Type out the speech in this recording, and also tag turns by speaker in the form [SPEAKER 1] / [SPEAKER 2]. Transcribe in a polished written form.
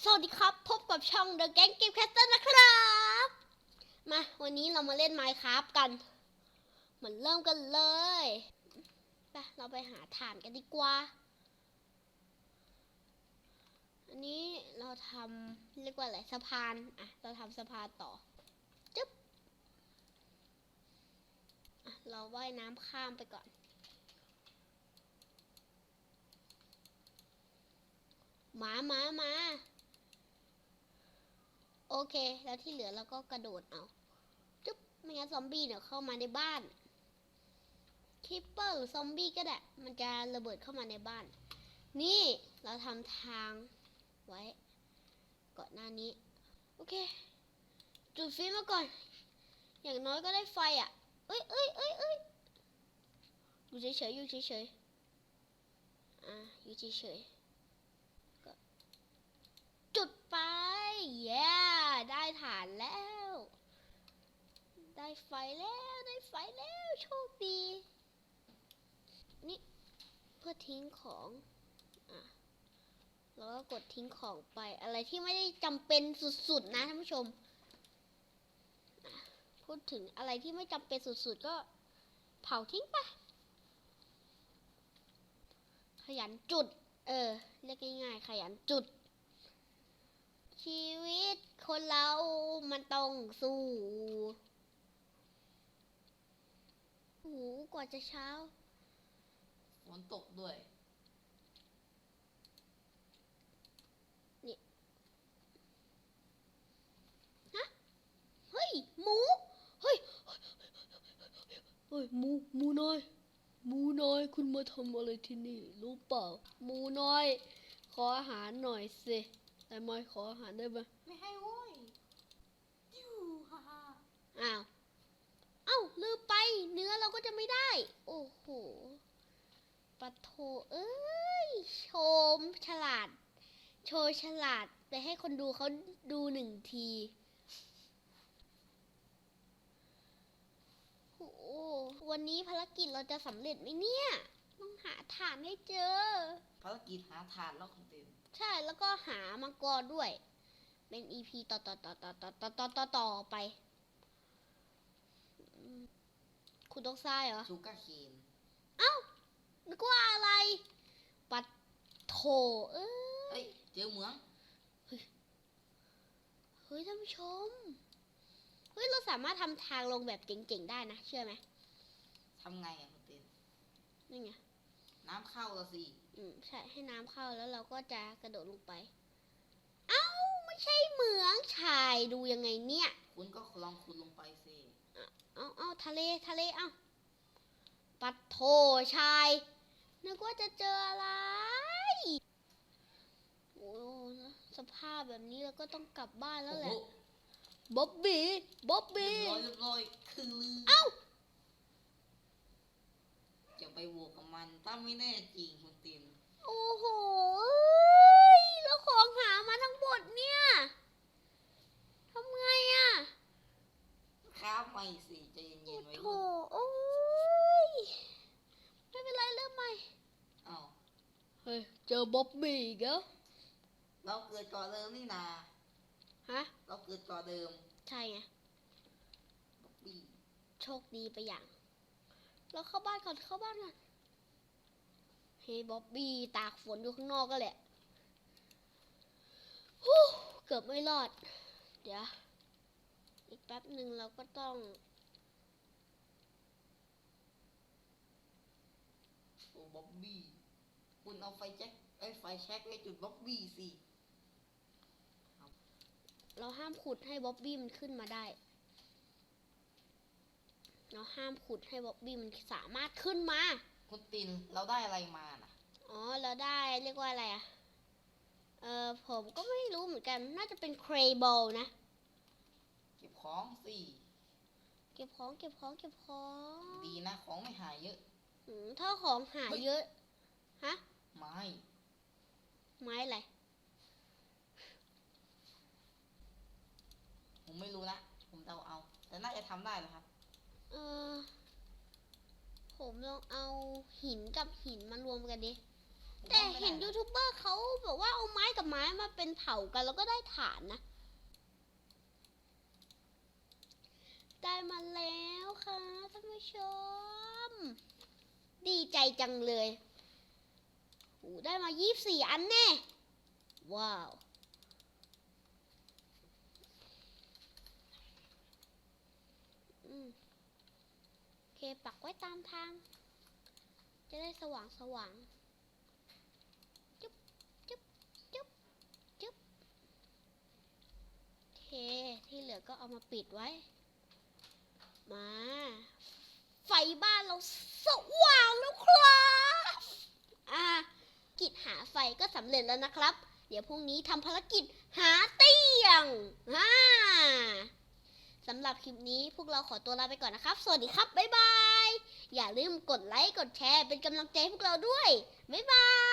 [SPEAKER 1] สวัสดีครับพบกับช่อง The Gang Game Caster นะครับมาวันนี้เรามาเล่น Minecraft กันเหมือนเริ่มกันเลยไปเราไปหาถ่านกันดีกว่าอันนี้เราทำเรียกว่าอะไรสะพานเราทำสะพานต่อจึ๊บเราว่ายน้ำข้ามไปก่อนมาโอเคแล้วที่เหลือเราก็กระโดดเอาจึ๊บไม่งั้นซอมบี้เนี่ยเข้ามาในบ้านคิปเปอร์หรือซอมบี้ก็ได้มันจะระเบิดเข้ามาในบ้านนี่เราทำทางไว้ก่อนหน้านี้โอเคจุดไฟมาก่อนอย่างน้อยก็ได้ไฟเอ้ยอยู่เฉยอยู่เฉยก็จุดไปเย้ได้ฐานแล้วได้ไฟแล้วโชคดีนี่เพื่อทิ้งของแล้วก็กดทิ้งของไปอะไรที่ไม่ได้จำเป็นสุดๆนะท่านผู้ชมพูดถึงอะไรที่ไม่จำเป็นสุดๆก็เผาทิ้งไปขยันจุดเรียกง่ายๆขยันจุดชีวิตคนเรามันต้องสู้กว่าจะเช้า
[SPEAKER 2] ฝนตกด้วย
[SPEAKER 1] นี่ฮะเฮ้ยหมูเฮ้ยหมูน้อยคุณมาทำอะไรที่นี่รู้เปล่าหมูน้อยขออาหารหน่อยสิได้ไหมขออาหารได้ไหม
[SPEAKER 2] ไม่ให้โว้ยยูฮ่าฮ่า
[SPEAKER 1] ลืมไปเนื้อเราก็จะไม่ได้โอ้โหปะโถเอ้ยโชว์ฉลาดไปให้คนดูเขาดูหนึ่งทีโอ้วันนี้ภารกิจเราจะสำเร็จไหมเนี่ยต้องหาถ่านให้เจอ
[SPEAKER 2] ภารกิจหาทานแล้วคุณเต็ม
[SPEAKER 1] ใช่แล้วก็หามังกรด้วยเป็น EP ต่อไปคุณต้องทรายเหรอ
[SPEAKER 2] ชูการ์เคน
[SPEAKER 1] นึกว่าอะไรปัดโถเอ้ย
[SPEAKER 2] เจอเหมือง
[SPEAKER 1] เฮ้ยท่านผู้ชมเฮ้ยเราสามารถทำทางลงแบบเจ๋งๆได้นะเชื่อไหม
[SPEAKER 2] ทำไงคุณเต็ม
[SPEAKER 1] นี่ไง
[SPEAKER 2] น้ำเข้าละสิ
[SPEAKER 1] ใช่ให้น้ำเข้าแล้วเราก็จะกระโดดลงไปไม่ใช่เหมืองชายดูยังไงเนี่ย
[SPEAKER 2] คุณก็ลองขุดลงไปสิ
[SPEAKER 1] ทะเลปัดโถชายนึกว่าจะเจออะไรโอ้สภาพแบบนี้เราก็ต้องกลับบ้านแล้วแหละบ๊อบบี้
[SPEAKER 2] เรียบร้อยคือจะไปบวกกับมันถ้าไม่แน่จริงคุณเต็ม
[SPEAKER 1] โอ้โหแล้วของหามาทั้งหมดเนี่ยทำไง
[SPEAKER 2] ครับไม่สิใจเย็นๆไว้
[SPEAKER 1] โถโอ้ยไม่เป็นไรเริ่มใหม่เฮ้ยเจอบ๊อบบี้อีกแล้ว
[SPEAKER 2] เราเกิดก่อนเดิมนี่นาเราเกิดก่อนเดิม
[SPEAKER 1] ใช่ไง
[SPEAKER 2] บ๊อบบี้
[SPEAKER 1] โชคดีไปอย่างเราเข้าบ้านก่อนเฮ้ยบ๊อบบี้ตากฝนอยู่ข้างนอกก็แหละเกือบไม่รอดเดี๋ยวอีกแป๊บหนึ่งเราก็ต้อง
[SPEAKER 2] บ๊อบบี้คุณเอาไฟแช็กไว้จุดบ๊อบบี้สิ
[SPEAKER 1] เราห้ามขุดให้บ๊อบบี้มันขึ้นมาได้เราห้ามขุดให้บ๊อบบี้มันสามารถขึ้นมา
[SPEAKER 2] คุณตินเราได้อะไรมาน่ะ
[SPEAKER 1] เราได้เรียกว่าอะไรผมก็ไม่รู้เหมือนกันน่าจะเป็นเครบอลนะ
[SPEAKER 2] เก็บของสิ
[SPEAKER 1] เก็บของ
[SPEAKER 2] ดีนะของไม่หายเยอะ
[SPEAKER 1] ถ้าของหายเยอะ
[SPEAKER 2] ไม้
[SPEAKER 1] อะไร
[SPEAKER 2] ผมไม่รู้นะผมเดาเอาแต่น่าจะทำได้นะครับ
[SPEAKER 1] ผมลองเอาหินกับหินมารวมกันดิแต่เห็นยูทูบเบอร์เขาบอกว่าเอาไม้กับไม้มาเป็นเผากันแล้วก็ได้ฐานนะ ได้มาแล้วค่ะท่านผู้ชม ดีใจจังเลยโอ้ได้มา24 อันแน่ ว้าว โอเคปักไว้ตามทาง จะได้สว่างสว่างจุ๊บจุ๊บจุ๊บจุ๊บโอเค ที่เหลือก็เอามาปิดไว้ มา ไฟบ้านเราสว่างแล้วครับกิจหาไฟก็สำเร็จแล้วนะครับ เดี๋ยวพรุ่งนี้ทำภารกิจหาเตียงสำหรับคลิปนี้พวกเราขอตัวลาไปก่อนนะครับ สวัสดีครับ บ๊ายบาย อย่าลืมกดไลค์ กดแชร์ เป็นกำลังใจให้พวกเราด้วย บ๊ายบาย